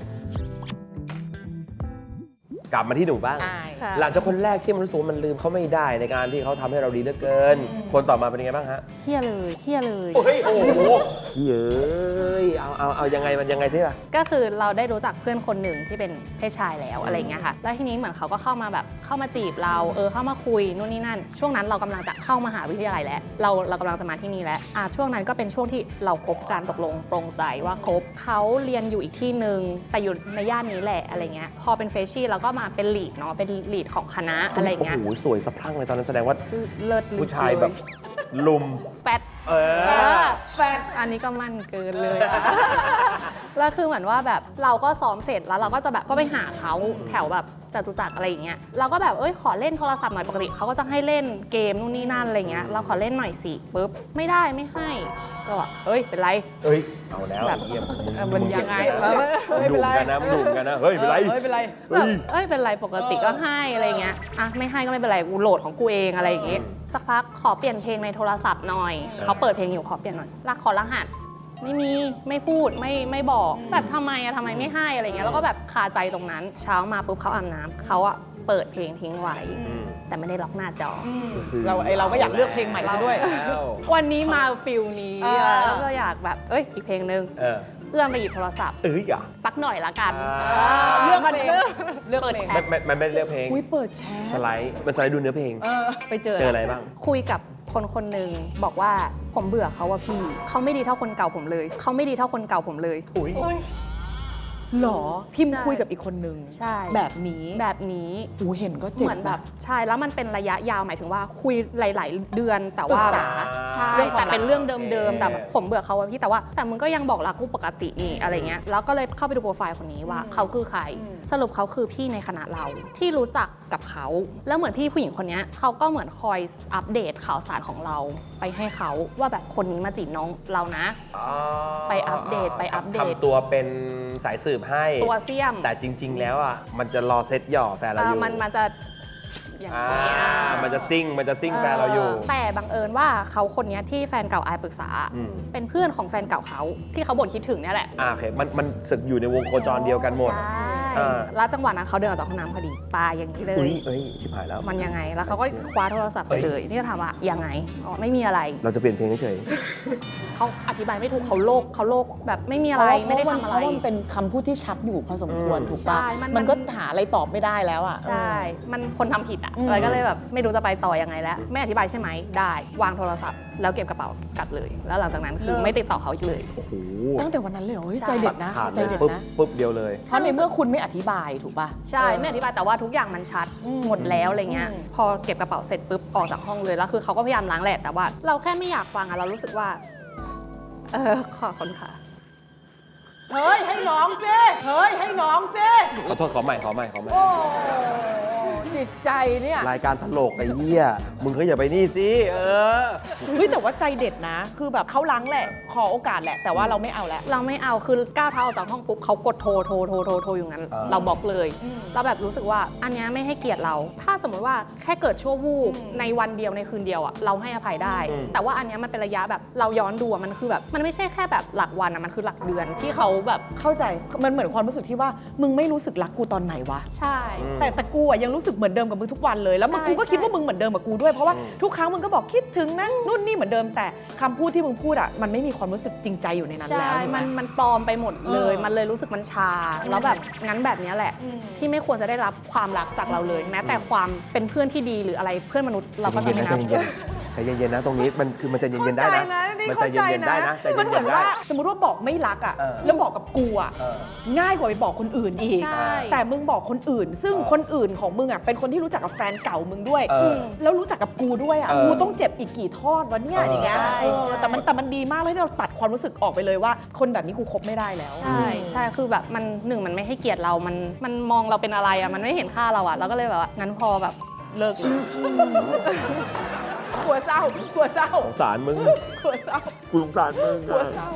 Speaker 1: กลับมาที่หนูบ้าง
Speaker 2: อาย
Speaker 5: ค่ะ
Speaker 1: หลังจากคนแรกที่มันรู้สึกว่ามันลืมเขาไม่ได้ในการที่เขาทำให้เราดีเหลือเกิน คนต่อมาเป็นยังไงบ้างฮะ
Speaker 3: เครียดเลยเครียดเลย
Speaker 1: เฮ้ยโอ้โหเฮ้ยเอายังไงมันยังไงที่ล่ะ
Speaker 3: ก็คือเราได้รู้จักเพื่อนคนหนึ่งที่เป็นเพศชายแล้วอะไรเงี้ยค่ะ แล้วทีนี้เหมือนเขาก็เข้ามาแบบเข้ามาจีบเราเข้ามาคุยนู่นนี่นั่น ช่วงนั้นเรากำลังจะเข้ามหาวิทยาลัยแล้ว เรากำลังจะมาที่นี่แล้วช่วงนั้นก็เป็นช่วงที่เราคบกันตกลงปรงใจว่าคบเขาเรียนอยู่อีกที่หนึ่งแต่อยู่ในย่านนี้แหละอะไรเงี้ย พอเป็นเฟรชชี่เราก็มาเป็นลีดเนาะ เป็นลีดของคณะอะไรเงี้ย
Speaker 1: โอ้โหสวยสะพรั่งเลยตอนนั้นแสดงว่า
Speaker 3: เลิศลึก
Speaker 1: ผู้ชายแบบลุม
Speaker 3: แฟต
Speaker 2: แฟน
Speaker 3: อันนี้ก็มั่นเกินเลยอะแล้วคือเหมือนว่าแบบเราก็ซ้อมเสร็จแล้วเราก็จะแบบก็ไปหาเขาแถวแบบจตุจักรอะไรอย่างเงี้ยเราก็แบบขอเล่นโทรศัพท์หน่อยปกติเขาก็จะให้เล่นเกมนู่นนี่นั่นอะไรเงี้ยเราขอเล่นหน่อยสิปุ๊บไม่ได้ไม่ให้ก็บอกเป็นไร
Speaker 1: เอ้ยเอาแล้ว
Speaker 3: แบบ
Speaker 1: เยี่ยม
Speaker 3: มันยังไง
Speaker 1: ดุมกันนะดุมกันนะเฮ้ยเป็นไร
Speaker 2: เป็นไร
Speaker 3: แบบเป็นไรปกติก็ให้อะไรเงี้ยอ่ะไม่ให้ก็ไม่เป็นไรกูโหลดของกูเองอะไรอย่างเงี้ยสักพักขอเปลี่ยนเพลงในโทรศัพท์หน่อยเขาเปิดเพลงอยู่ขอเปลี่ยนหน่อยขอรหัสไม่มีไม่พูดไม่บอกแบบทำไมไม่ให้อะไรเงี้ยแล้วก็แบบคาใจตรงนั้นเช้ามาปุ๊บเขาอาบน้ำเขาอะเปิดเพลงทิ้งไว้แต่ไม่ได้ล็อกหน้าจอ
Speaker 2: เราก็อยากเลือกเพลงใหม่ซะด้วย
Speaker 3: วันนี้มาฟิลนี้ แล้วก็อยากแบบอีกเพลงนึงเอื้อมไปหยิบโทรศัพท์
Speaker 1: อ่ะ
Speaker 3: สักหน่อยละกัน
Speaker 2: เลือกเพลงเลือก
Speaker 3: เปิด
Speaker 2: เพลง
Speaker 3: แชท
Speaker 1: มันไม่ได้เลือกเพลง
Speaker 2: อุ้ยเปิดแชร์
Speaker 1: สไลด์มันสไลด์ดูเนื้อเพลง
Speaker 2: ไปเจอ
Speaker 1: เจออะไรบ้าง
Speaker 3: คุยกับคนหนึ่งบอกว่าผมเบื่อเขาว่าพี่เขาไม่ดีเท่าคนเก่าผมเลยเขาไม่ดีเท่าคนเก่าผมเลย
Speaker 2: หรอพิมพ์
Speaker 3: ใช่
Speaker 2: คุยกับอีกคนนึง
Speaker 3: ใช่
Speaker 2: แบบนี้
Speaker 3: แบบนี้
Speaker 2: อูเห็นก็เจ็บ
Speaker 3: เหมือนแบบ
Speaker 2: นะ
Speaker 3: ใช่แล้วมันเป็นระยะยาวหมายถึงว่าคุยหลาย ๆ เดือนแต่
Speaker 2: ปรึ
Speaker 3: ว่าก
Speaker 2: ษา
Speaker 3: ใช่
Speaker 2: เรื่องความ
Speaker 3: แต่เป็นเรื่องเดิม
Speaker 1: โอเค
Speaker 3: ๆแต่ผมเบื่อเขาอะพี่แต่ว่าแต่มึงก็ยังบอกรักกูปกตินี่อะไรเงี้ยแล้วก็เลยเข้าไปดูโปรไฟล์คนนี้ว่าเขาคือใคร สรุปเขาคือพี่ในคณะเราที่รู้จักกับเขาแล้วเหมือนพี่ผู้หญิงคนนี้เขาก็เหมือนคอยอัปเดตข่าวสารของเราไปให้เขาว่าแบบคนนี้มาจีบน้องเรานะ ไปอัปเดตไปอัปเดต
Speaker 1: ทำตัวเป็นสายสืบให้
Speaker 3: ตัวเสี่ยม
Speaker 1: แต่จริง ๆ แล้วอ่ะมันจะรอเซตหย่อแฟนเราอยู่
Speaker 3: มันจะอย่างนี้ย
Speaker 1: มันจะซิ่งแฟนเราอยู่
Speaker 3: แต่บังเอิญว่าเขาคนเนี้ยที่แฟนเก่าอายปรึกษา
Speaker 1: อืม
Speaker 3: เป็นเพื่อนของแฟนเก่าเขาที่เขาบ่นคิดถึงเนี่ยแหละ
Speaker 1: โอเคมันสึกอยู่ในวงโคจรเดียวกันหมด
Speaker 3: ใช่
Speaker 1: อ่า
Speaker 3: แล้วจังหวะนั้นเขาเดินออกจากห้องน้ำพอดีตายอย่างนี้เลย
Speaker 1: เอ้ยชิบหายแล้ว
Speaker 3: มันยังไงแล้วเขาก็คว้าโทรศัพท์ไปเลยนี่ก็ถามว่ายังไงอ๋อไม่มีอะไร
Speaker 1: เราจะเปลี่ยนเพลงเฉย
Speaker 3: เขาอธิบายไม่ถูกเขาโลกแบบไม่มีอะไรไม่ได้ทำอะไร
Speaker 2: เพราะมันเป็นคำพูดที่ชัดอยู่พอสมควรถูกปะ
Speaker 3: ใช่มัน
Speaker 2: มันก็หาอะไรตอบไม่ได้แล้วอ่ะ
Speaker 3: ใช่ มันคนทำผิดอ่ะ
Speaker 2: อืม
Speaker 3: แล้วก็เลยแบบไม่รู้จะไปต่อยังไงแล้ว ไม่อธิบายใช่ไหม ได้ วางโทรศัพท์ แล้วเก็บกระเป๋ากลับเลย แล้วหลังจากนั้นคือไม่ติดต่อเขาอีกเลย
Speaker 1: ๆโอ้โห
Speaker 2: ตั้งแต่วันนั้นเลยเหรอเฮ้ย
Speaker 3: ใช่
Speaker 2: ใจเด็ดนะ
Speaker 1: ขาด
Speaker 2: ใจ
Speaker 1: เลย
Speaker 2: เด็ด
Speaker 1: ปุ๊บ
Speaker 2: นะ
Speaker 1: ปุ๊บเดียวเลย
Speaker 2: เพราะในเมื่อคุณไม่อธิบายถูกปะ
Speaker 3: ใช่ ไม่อธิบายแต่ว่าทุกอย่างมันชัดหมดแล้วอะไรเงี้ย พอเก็บกระเป๋าเสร็จปุ๊บออกจากห้องเลย แล้วคือเขาก็พยายามล้างแหละ แต่ว่าเราแค่ไม่อยากฟังอะเรารู้สึกว่า ขอบคุณค่ะ
Speaker 2: เฮ้ยให้น้องสิเฮ้ยให้น้องสิ
Speaker 1: ขอโทษขอใหม่
Speaker 2: โอ้จิตใจเนี่ย
Speaker 1: รายการตลกไอ้เหี้ยมึงก็อย่าไปนี่สิ
Speaker 2: เฮ้ยแต่ว่าใจเด็ดนะ คือแบบเขาล้างแหละ ขอโอกาสแหละ แต่ว่าเราไม่เอาแล้ว
Speaker 3: เราไม่เอาคือก้าวเท้าออกจากห้องปุ๊บเขากดโทรอยู่งั้น เราบล็อกเลย เราแบบรู้สึกว่าอันเนี้ยไม่ให้เกียรติเรา ถ้าสมมติว่าแค่เกิดชั่ววูบในวันเดียวในคืนเดียวอะเราให้อภัยได้ แต่ว่าอันเนี้ยมันเป็นระยะแบบเราย้อนดูอะมันคือแบบมันไม่ใช่แค่แบบหลักวันอะมันคือหลักเดือนที่เขาแบบ
Speaker 2: เข้าใจ มันเหมือนความรู้สึกที่ว่า มึงไม่รู้สึกรักกูตอนไหนวะ
Speaker 3: ใช่
Speaker 2: แต่กูอะยังรู้สึกเหมือนเดิมกับมึงทุกวันเลย แล้วมึง
Speaker 3: ใช่
Speaker 2: กูก็คิด
Speaker 3: ใช่
Speaker 2: ว่ามึงเหมือนเดิมกับกูด้วย เพราะว่าทุกครั้งมึงก็บอกคิดถึงนะนู่นนี่เหมือนเดิม แต่คำพูดที่มึงพูดอะมันไม่มีความรู้สึกจริงใจอยู่ในนั้น
Speaker 3: ใช่
Speaker 2: แล้วถูกไหม
Speaker 3: มันปลอมไปหมดเลย
Speaker 2: เออ
Speaker 3: มันเลยรู้สึกมันชา แล้วแบบงั้นแบบเนี้ยแหละ ที่ไม่ควรจะได้รับความรักจากเราเลย แม้แต่ความเป็นเพื่อนที่ดีหรืออะไรเพื่อนมนุษย์เราก็จะไม่นับ
Speaker 1: ใจเย็นๆนะตรงนี้มันใจเย็นๆได้นะมันใจเย็นๆได้นะใจ
Speaker 2: มันเหมื
Speaker 1: เย็
Speaker 2: อน
Speaker 1: นๆได้
Speaker 2: ว่าสมมติว่าบอกไม่รักอะ
Speaker 1: เออ
Speaker 2: แล้วบอกกับกูอะ
Speaker 1: เออ
Speaker 2: ง่ายกว่าไปบอกคนอื่นอีก
Speaker 3: ใช่
Speaker 2: แต่มึงบอกคนอื่น ซึ่งคนอื่นของมึงอะเป็นคนที่รู้จักกับแฟนเก่ามึงด้วย แล้วรู้จักกับกูด้วยอะ
Speaker 1: เออ
Speaker 2: กูต้องเจ็บอีกกี่ทอดวะเนี่ยอย่างเงี้ย
Speaker 3: ใช่
Speaker 2: แต่มันดีมากเลยที่เราตัดความรู้สึกออกไปเลยว่า คนแบบนี้กูคบไม่ได้แล้ว
Speaker 3: ใช่ใช่คือแบบมันหนึ่งมันไม่ให้เกียรติเรา มันมองเราเป็นอะไรอะมันไม่เห็นค่าเราอะเราก็เลยแบบว่างั้นพอแบบ
Speaker 2: เลิกเลยกลัวเศร้ากลัวเศร้า
Speaker 1: สงสารมึง
Speaker 2: กลัวเศร้า
Speaker 1: กูสงสารมึง
Speaker 2: กลัวเศร้า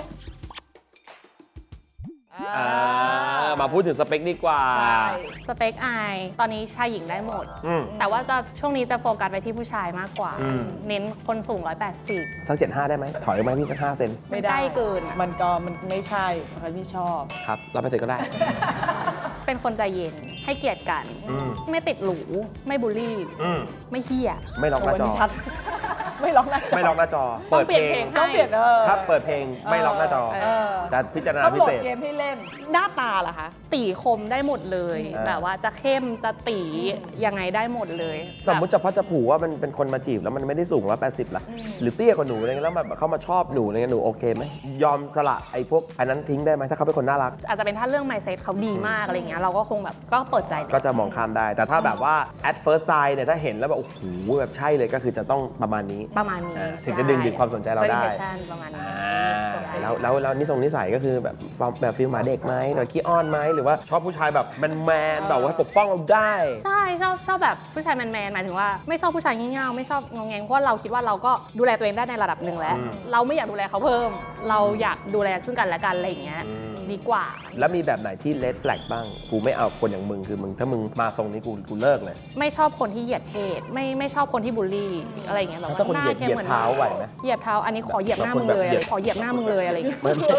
Speaker 1: มาพูดถึงสเปคดีกว่า
Speaker 2: ใช่
Speaker 3: สเปคอายตอนนี้ชายหญิงได้หมด
Speaker 1: อืม
Speaker 3: แต่ว่าจะช่วงนี้จะโฟกัสไปที่ผู้ชายมากกว่า
Speaker 1: อืม
Speaker 3: เน้นคนสูง 180
Speaker 1: สัก75ได้ไหมถอยไหมพี่สัก5 เซน
Speaker 2: ไม่ได้
Speaker 3: ใกล้เกินอะ
Speaker 2: มันไม่ใช่ใครไม่ชอบ
Speaker 1: ครับรับไปเสร็จก็ได้
Speaker 3: เป็นคนใจเย็นให้เกียรติกัน
Speaker 1: อืม
Speaker 3: ไม่ติดหรูไม่บูลลี่ ไม่เฮี้ย
Speaker 1: ไม่ล็อกหน้าจอ
Speaker 2: ชัด ไม่ล็อกหน้าจอ
Speaker 1: ไม่ล็อกหน้าจอ
Speaker 3: ต้อ
Speaker 1: เปิ
Speaker 3: ง
Speaker 1: ด
Speaker 3: เปลี่
Speaker 1: เพ
Speaker 3: ยน
Speaker 1: ลง
Speaker 3: เพลง
Speaker 2: ต้องเปลี่ยน
Speaker 1: ถ้าเปิดเพลงไม่ล็อกหน้าจอ จะพิจารณา
Speaker 2: ต้อง
Speaker 1: พิ
Speaker 2: โหล
Speaker 1: เศ
Speaker 2: ด
Speaker 1: ษ
Speaker 2: เกมให้เล่น หน้าตาล่ะคะ
Speaker 3: ตีคมได้หมดเลย
Speaker 1: อ่า
Speaker 3: แบบว่าจะเข้มจะตียังไงได้หมดเลย
Speaker 1: สมมติจะพัดจะผูว่ามันเป็นคนมาจีบแล้วมันไม่ได้สูง180ล่ะ หรือเตี้ยกว่าหนูอะไรเงี้ยแล้วแบบเขามาชอบหนูอะไรเงี้ยหนูโอเคไหมยอมสละไอ้พวกอันนั้นทิ้งได้ไหมถ้าเขาเป็นคนน่ารัก
Speaker 3: อาจจะเป็นถ้าเรื่อง mindset เขาดีมากอะไรเงี้ยเราก็คงแบบก็เปิดใจเลย
Speaker 1: ก็จะมองข้ามได้ แต่ถ้าแบบว่า at first sight เนี่ยถ้าเห็นแล้วแบบโอ้โหแบบใช่เลยก็คือจะต้องประมาณนี้
Speaker 3: ประมาณนี้
Speaker 1: ถึงจะดึงดูดความสนใจเราได้
Speaker 3: first impression ประมาณนี้
Speaker 1: โอเคแล้วนิสัยก็คือแบบฟิลหมาเด็กไหมหรือขี้อ้อนไหมหรือว่าชอบผู้ชายแบบแมนๆแบบว่าปกป้องเราได้
Speaker 3: ใช่ชอบแบบผู้ชายแมนๆหมายถึงว่าไม่ชอบผู้ชายงี่เง่าไม่ชอบงงแงงเพราะเราคิดว่าเราก็ดูแลตัวเองได้ในระดับหนึ่งแล้ว เราไม่อยากดูแลเขาเพิ่ม เราอยากดูแลซึ่งกันและกันอะไรอย่างเงี้ยดีกว่า
Speaker 1: แล้วมีแบบไหนที่เลดแฟลกบ้างกูไม่เอาคนอย่างมึงคือมึงถ้ามึงมาทรงนี้กูเลิกเลย
Speaker 3: ไม่ชอบคนที่เหยียดเพศไม่ชอบคนที่บูลลี่อะไรอย่างเงี้ยแบบ
Speaker 1: ถ้าคนเหยียด
Speaker 3: แค่
Speaker 1: เหยียดเท้าไหวไหม
Speaker 3: เหยียบเท้าอันนี้ขอเหยียบหน้ามึงเลยอะไรขอเหยียบหน้ามึงเลยอะไรอย่างเงี้ย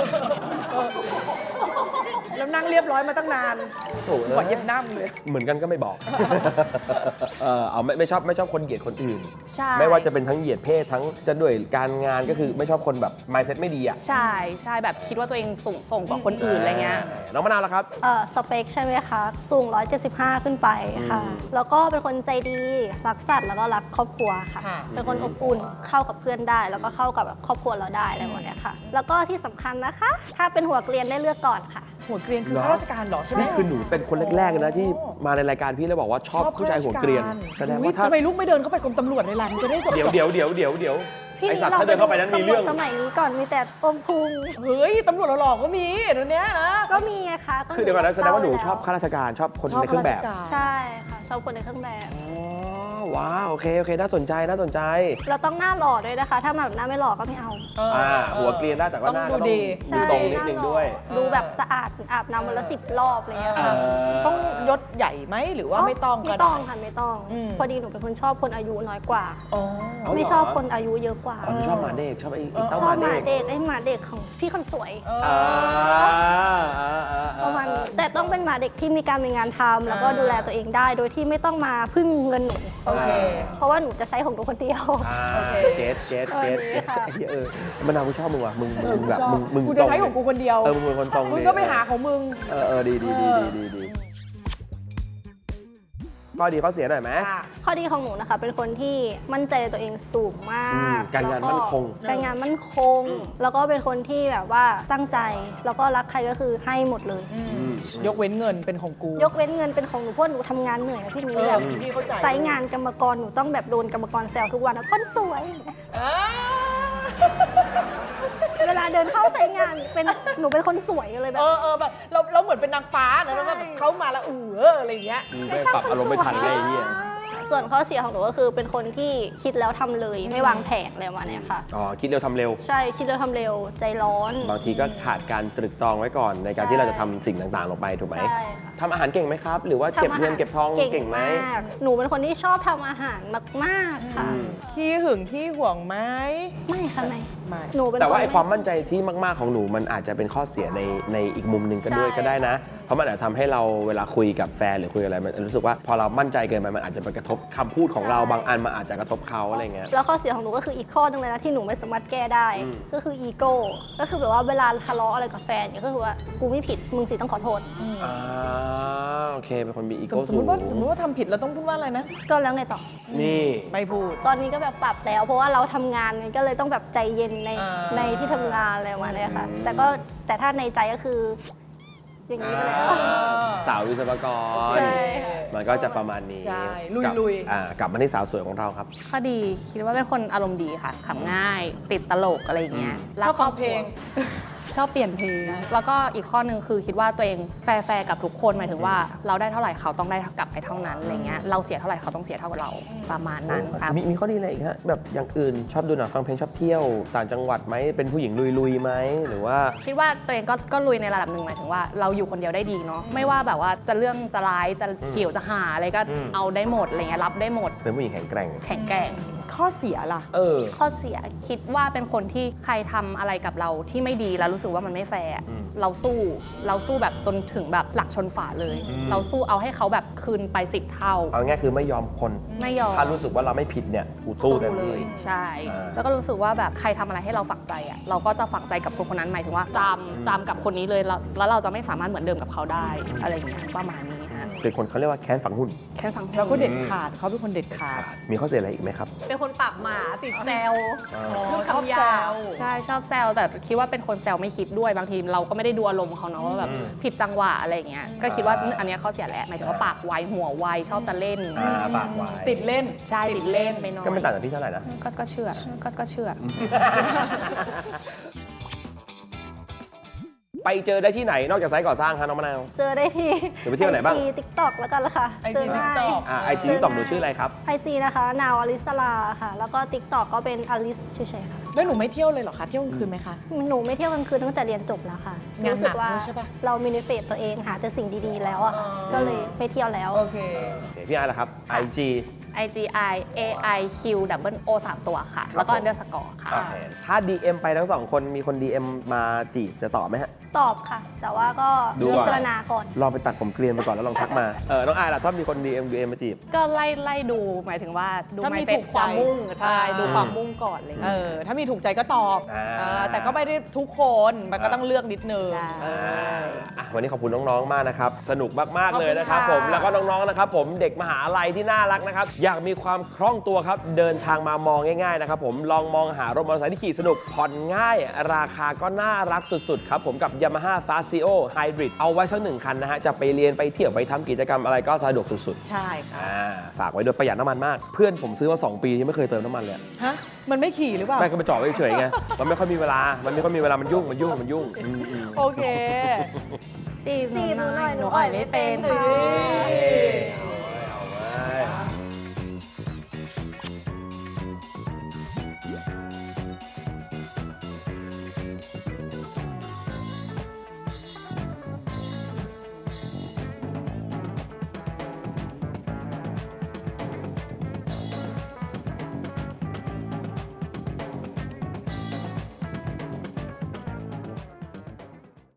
Speaker 2: แล้วนั่งเรียบร้อยมาตั้งนาน
Speaker 1: โถ่เอ้ย
Speaker 2: ขอเย็บหน้ามึงเลย
Speaker 1: เหมือนกันก็ไม่บอก เอาไม่ชอบคนเหยียดคนอื่น
Speaker 3: ใช่
Speaker 1: ไม่ว่าจะเป็นทั้งเหยียดเพศทั้งจะด้วยการงานก็คือไม่ชอบคนแบบ mindset ไม่ดีอ่ะ
Speaker 3: ใช่แบบคิดว่าตัวเองสูงส่งกว่าคนอื่นอะไรเงี้ย
Speaker 1: น้องมะนาวล่ะครับ
Speaker 5: สเปคใช่ไหมคะ สูง 175 ขึ้นไปค่ะ แล้วก็เป็นคนใจดี รักสัตว์แล้วก็รักครอบครัวค่ะ
Speaker 2: ค่ะ
Speaker 5: เป็นคนอบอุ่น เข้ากับเพื่อนได้ แล้วก็เข้ากับแบบครอบครัวเราได้อะไรหมดเนี้ยค่ะ แล้วก็ที่สำคัญนะคะ ถ้าเป็นหัวเกรียนได้เลือกก่อนค่ะ
Speaker 2: หัวเกรียนคือ
Speaker 1: เหรอ
Speaker 2: ข้าราชการเหรอใช่ไหม
Speaker 1: นี่คือหนูเป็นคนแรกๆเลยนะที่มาในรายการพี่แล้วบอกว่าชอบผู้ชายหัวเกรียน แสดงว่าถ้า
Speaker 2: ทำไมลูกไม่เดินเข้าไปกรมตำรวจในร้านจะได้จบ
Speaker 1: เดี๋ยว
Speaker 5: พี่
Speaker 1: ไอสัตว์ถ้าเดินเข้าไปนั้นมีเรื่อง
Speaker 5: ตำวจสมัยนี้ก่อนมีแต่อมพุง
Speaker 2: เฮ้ยตำรวจหล่อๆก็มีเดี๋ยวนี้นะ
Speaker 5: ก็มีไงคะ
Speaker 1: คือเดี๋ยวก่อนนะแสดงว่าหนูชอบข้าราชการชอบคนในเครื่องแบบ
Speaker 5: ใช่ค่ะ ชอบคนในเครื่องแบบ
Speaker 1: อ๋อว้าวโอเคน่าสนใจ
Speaker 5: เราต้องหน้าหล่อด้วยนะคะ ถ้าแบบหน้าไม่หล่อก็ไม่เอา
Speaker 1: หัวเกรียนได้แต่ว่าหน้าก็
Speaker 2: ต้องดู
Speaker 1: ต้อง
Speaker 2: ดี
Speaker 1: มีทรงนิดนึงด้วย
Speaker 5: ดูแบบสะอาดอาบน้ำวันละ10 รอบอะไรเงี้ยค่ะ
Speaker 2: ต้องยศใหญ่ไหมหรือว่าไม่ต้องก็
Speaker 5: ไม่
Speaker 2: ได้
Speaker 5: ต้องค่ะไม่ต้อง
Speaker 2: อืม
Speaker 5: พอดีหนูเป็นคนชอบคนอายุน้อยกว่า
Speaker 2: อ๋อ
Speaker 1: เอาเหรอ
Speaker 5: ไม่ชอบคนอายุเยอะกว่า
Speaker 1: อ๋อหนูชอบหมาเด็กชอบไอ้เต้า
Speaker 5: ช
Speaker 1: ห
Speaker 5: อบ
Speaker 1: มา
Speaker 5: หมา
Speaker 1: เด็ก
Speaker 5: เด็กไอ้หมาเด็กของพี่คนสวย
Speaker 1: อ่า
Speaker 5: ประมาณนี้แต่ต้องเป็นหมาเด็กที่มีการมีงานทำแล้วก็ดูแลตัวเองได้ โดยที่ไม่ต้องมาพึ่งเงินหนู
Speaker 2: โอเค
Speaker 5: เพราะว่าหนูจะใช้ของหนูคนเดียว
Speaker 2: โอเค
Speaker 1: เกต
Speaker 5: เออดีค่ะ
Speaker 1: มะนาวกูชอบมึงว่ะมึงแบบมึง
Speaker 2: กูจะใช้ของกูคนเดียว
Speaker 1: มึงเป็นคนตรง
Speaker 2: มึงก็ไปหาของมึง
Speaker 1: ดีข้อดีข้อเสียหน่อยไหม
Speaker 5: ข้อดีของหนูนะคะ เป็นคนที่มั่นใจในตัวเองสูงมาก
Speaker 1: การงานมั่นคง
Speaker 5: การงานมั่นคง แล้วก็เป็นคนที่แบบว่าตั้งใจ แล้วก็รักใครก็คือให้หมดเลย
Speaker 2: ยกเว้นเงินเป็นของกู
Speaker 5: ยกเว้นเงินเป็นของหนูเพราะหนูทำงานเหนื่อยนะพี่นี้
Speaker 2: เออ
Speaker 5: แบบ
Speaker 2: พี่เข้าใจ
Speaker 5: ไซต์งานกรรมกรหนูต้องแบบโดนกรรมกรแซวทุกวันนะคนสวย
Speaker 2: อ่า
Speaker 5: เวลาเดินเข้าไซต์งานหนูเป็นคนสวยเลยแบบ
Speaker 2: แบบเราเหมือนเป็นนางฟ้านะแล้วแบบเขามาแล้วอะไรอย่างเงี้ย
Speaker 1: ไม่ปรับอารมณ์ไม่ทันเลยไอ้เหี้ย
Speaker 5: ส่วนข้อเสียของหนูก็คือเป็นคนที่คิดแล้วทำเลยไม่วางแผนอะไรประมาณเนี้ยค่ะ
Speaker 1: อ๋อคิดเร็วทำเร็ว
Speaker 5: ใช่คิดแล้วทำเร็วใจร้อน
Speaker 1: บางทีก็ขาดการตรึกตรองไว้ก่อนในการที่เราจะทำสิ่งต่างๆลงไปถูกไหม
Speaker 5: ใช่ค่ะ
Speaker 1: ทำอาหารเก่งไหมครับ หรือว่าเก็บเงินเก็บทองเก่งไหม
Speaker 5: ากหนูเป็นคนที่ชอบทำอาหารมากๆค่ะ
Speaker 2: ขี้หึงขี้ห่วงไหม
Speaker 5: ไม่ค่ะไม่
Speaker 2: ไม่
Speaker 5: หนูเป็น
Speaker 1: แต่ว่า
Speaker 5: น
Speaker 1: ไอ้ความมั่นใจที่มากๆของหนูมันอาจจะเป็นข้อเสียในอีกมุมหนึ่งก็ด้วย
Speaker 5: ใช่
Speaker 1: ก็ได้นะ เพราะมันอาจจะทำให้เราเวลาคุยกับแฟนหรือคุยอะไรมันรู้สึกว่าพอเรามั่นใจเกินไปมันอาจจะไปกระทบคำพูดของเราบางอันมันอาจจะกระทบเขาอะไรเงี้ย
Speaker 5: แล้วข้อเสียของหนูก็คืออีกข้อหนึงเลยนะที่หนูไม่สามารถแก้ได้ ก็คืออีโก้ก็คือแบบว่าเวลาทะเลาะอะไรกับแฟนเนี่ยก็คือว่ากูไม่ผิดมึงสิต้องขอโทษ
Speaker 1: โอเคเป็นคนมีอี
Speaker 2: ส
Speaker 1: โก้
Speaker 2: ม
Speaker 1: สู
Speaker 2: ม
Speaker 1: ง
Speaker 2: ติว่าทำผิดเราต้องพูดว่าอะไรนะ
Speaker 5: ก็แล้วไงต่อ
Speaker 1: นี่
Speaker 2: ไม่พูด
Speaker 5: ตอนนี้ก็แบบปรับแล้ว เพราะว่าเราทำงานไงก็เลยต้องแบบใจเย็นใน
Speaker 2: อ่า
Speaker 5: ในที่ทำงานอะไรประมาณเนี้ยค่ะ แต่ถ้าในใจก็คือ อย่างนี้ไปแล้ว
Speaker 1: สาววิศวกร
Speaker 5: ใช่ค่ะ
Speaker 1: มันก็จะประมาณนี้
Speaker 2: ใช่
Speaker 1: กบ
Speaker 2: ลุย
Speaker 1: กลับมาที่สาวสวยของเราครับ
Speaker 3: ข้อดีคิดว่าเป็นคนอารมณ์ดีค่ะขำง่าย ติดตลกอะไรอย่างเงี้ย
Speaker 2: ชอบฟังเพลง
Speaker 3: ชอบเปลี่ยนเพลง แล้วก็อีกข้อหนึ่งคือคิดว่าตัวเองแฟร์กับทุกคนหมายถึงว่าเราได้เท่าไหร่เขาต้องได้กลับไปเท่านั้นอะไรเงี้ยเราเสียเท่าไหร่เขาต้องเสียเท่ากับเราประมาณนั้นครับ
Speaker 1: มีข้อดีอะไรอีกฮะแบบอย่างอื่นชอบดูหนังฟังเพลงชอบเที่ยวต่างจังหวัดไหมเป็นผู้หญิงลุยๆไหมหรือว่า
Speaker 3: คิดว่าตัวเองก็ลุยในระดับหนึ่งหมายถึงว่าเราอยู่คนเดียวได้ดีเนาะไม่ว่าแบบว่าจะเรื่องจะร้ายจะเกี่ยวจะหาอะไรก็เอาได้หมดอะไรเงี้ยรับได้หมด
Speaker 1: เป็นผู้หญิงแข็งแกร่ง
Speaker 3: แข็งแกร่ง
Speaker 2: ข้อเสียล่ะ
Speaker 3: ข้อเสียคิดว่าเป็นคนที่ใครทำอะไรกับเราที่ไม่ดีแล้วรู้สึกว่ามันไม่แฟร์เราสู้แบบจนถึงแบบหลักชนฝาเลย เราสู้เอาให้เขาแบบคืนไป10 เท่า
Speaker 1: เอาง่ายคือไม่ยอมคน
Speaker 3: ไม่ยอม
Speaker 1: ถ้ารู้สึกว่าเราไม่ผิดเนี่ยกูสู้เต็ม
Speaker 3: เล
Speaker 1: ที่
Speaker 3: ยใช่
Speaker 1: อ่า
Speaker 3: แล้วก็รู้สึกว่าแบบใครทำอะไรให้เราฝังใจอ่ะเราก็จะฝังใจกับคนคนนั้นหมายถึงว่าจำกับคนนี้เลยแล้วเราจะไม่สามารถเหมือนเดิมกับเขาได้อะไรอย่างเงี้ยประมาณนี้ฮะ
Speaker 1: เป็นคนเขาเรียกว่าแค้นฝังหุ่น
Speaker 3: แค่ฟัง
Speaker 2: เราก็เด็ดขาดเขาเป็นคนเด็ดขาด
Speaker 1: มีข้อเสียอะไรอีกไหมครับ
Speaker 2: เป็นคนปากหมาติดแซว
Speaker 3: ชอบแซวใช่ชอบแซวแต่คิดว่าเป็นคนแซวไม่คิดด้วยบางทีเราก็ไม่ได้ดูอารมณ์เขาเนาะว่าแบบผิดจังหวะอะไรอย่างเงี้ยก็คิดว่าอันเนี้ยข้อเสียแหละหมายถึงว่าปากไวหัวไวชอบจะเล่น
Speaker 1: ปากไว้
Speaker 2: ติดเล่น
Speaker 3: ใช่ติดเล่นไปหน่อย
Speaker 1: ก็ไม่ต่างจากพี่เท่าไหร่นะ
Speaker 3: ก็เชื่อ
Speaker 1: ไปเจอได้ที่ไหนนอกจากไซต์ก่อสร้างครับน้องมะนาว
Speaker 5: เจอได้ที่
Speaker 1: หรือไปเที่ยวไหนบ้าง
Speaker 5: IG TikTok แล้วกันละค่ะ
Speaker 2: IG TikTok
Speaker 1: ไอจีตอบหนูชื่ออะไรครับ
Speaker 5: IG นะคะนาวอลิสลาค่ะ แล้วก็ TikTok ก็เป็นอลิสเฉยๆค่ะ
Speaker 2: แล้วหนูไม่เที่ยวเลยเหรอคะ เที่ยวกลางคืนไหมคะ
Speaker 5: หนูไม่เที่ยวกลางคืนตั้งแต่เรียนจบแล้วค่ะ
Speaker 2: งานหนัก
Speaker 5: รู้สึกว่า
Speaker 2: ด้วยใช่ปะ
Speaker 5: เรามินิเฟตตัวเองหาแต่สิ่งดีๆแล้วอะค่ะ
Speaker 2: อ๋อ
Speaker 5: ก็เลยไม่เที่ยวแล้ว
Speaker 2: โอเค
Speaker 1: พี่ไอล่ะครับ IG
Speaker 3: IGI AIQ double O 3 ตัวค่ะ แล้วก็ underscore ค่ะ
Speaker 1: โอเคถ้า DM ไปทั้งสองคนมีคน DM มาจีบจะตอบไหมฮะ
Speaker 5: ตอบค่ะ แต่ว่าก็
Speaker 1: ดูก่อน
Speaker 5: พิจารณาก่อน
Speaker 1: ลองไปตัดผมเกลียนไปก่อนแล้วลองทักมา น้องไอล่ะถ้ามีคน DM มาจีบ
Speaker 3: ก็ไล่ดูหมายถึงว่าดู
Speaker 2: ถ้ามี
Speaker 3: ไม่เป็น
Speaker 2: ถูกใจ
Speaker 3: ความมุ่งใช่
Speaker 2: อ่า
Speaker 3: ดูความมุ่งก่อนอะไรอย่าง
Speaker 2: เอ
Speaker 3: เลย
Speaker 2: อ ถ้ามีถูกใจก็ตอบ
Speaker 1: อ่า
Speaker 2: แต่ก็ไม่ได้ทุกคน มันก็ต้องเลือกนิดนึง
Speaker 3: ใช่
Speaker 1: วันนี้ขอบคุณน้องๆ มากนะครับ สนุกมากๆ เลยนะครับ
Speaker 2: ขอบคุณค่ะ
Speaker 1: ผม แล้วก็น้องๆ นะครับผม เด็กมหาลัยที่น่ารักนะครับ อยากมีความคล่องตัวครับ เดินทางมามองง่ายๆ นะครับผม ลองมองหารถมอเตอร์ไซค์ที่ขี่สนุก ผ่อนง่าย ราคาก็น่ารักสุดๆ ครับผมกับ Yamaha Fazio Hybrid เอาไว้สัก1 คันนะฮะ จะไปเรียนไปเที่ยวไปทำกิจกรรมอะไรก็สะดวกสุด
Speaker 2: ใช่ค่ะ
Speaker 1: ๆ ฝากไว้ด้วยประหยัดน้ำมันมาก เพื่อนผมซื้อมา 2 ปียังไม่เคยเติมน้ำมันเลย
Speaker 2: ฮะ มันไม่ขี่หรือเปล่า
Speaker 1: ไม่ก็ไปจอดไว้เฉยๆไง มันไม่ค่อยมีเวลา มันยุ่งอืม
Speaker 2: โอเค
Speaker 3: จีบหนูหน่อย
Speaker 5: จีบหนูหน่อย
Speaker 3: หนูอ่อยไม่เป็น
Speaker 2: เฮ้ย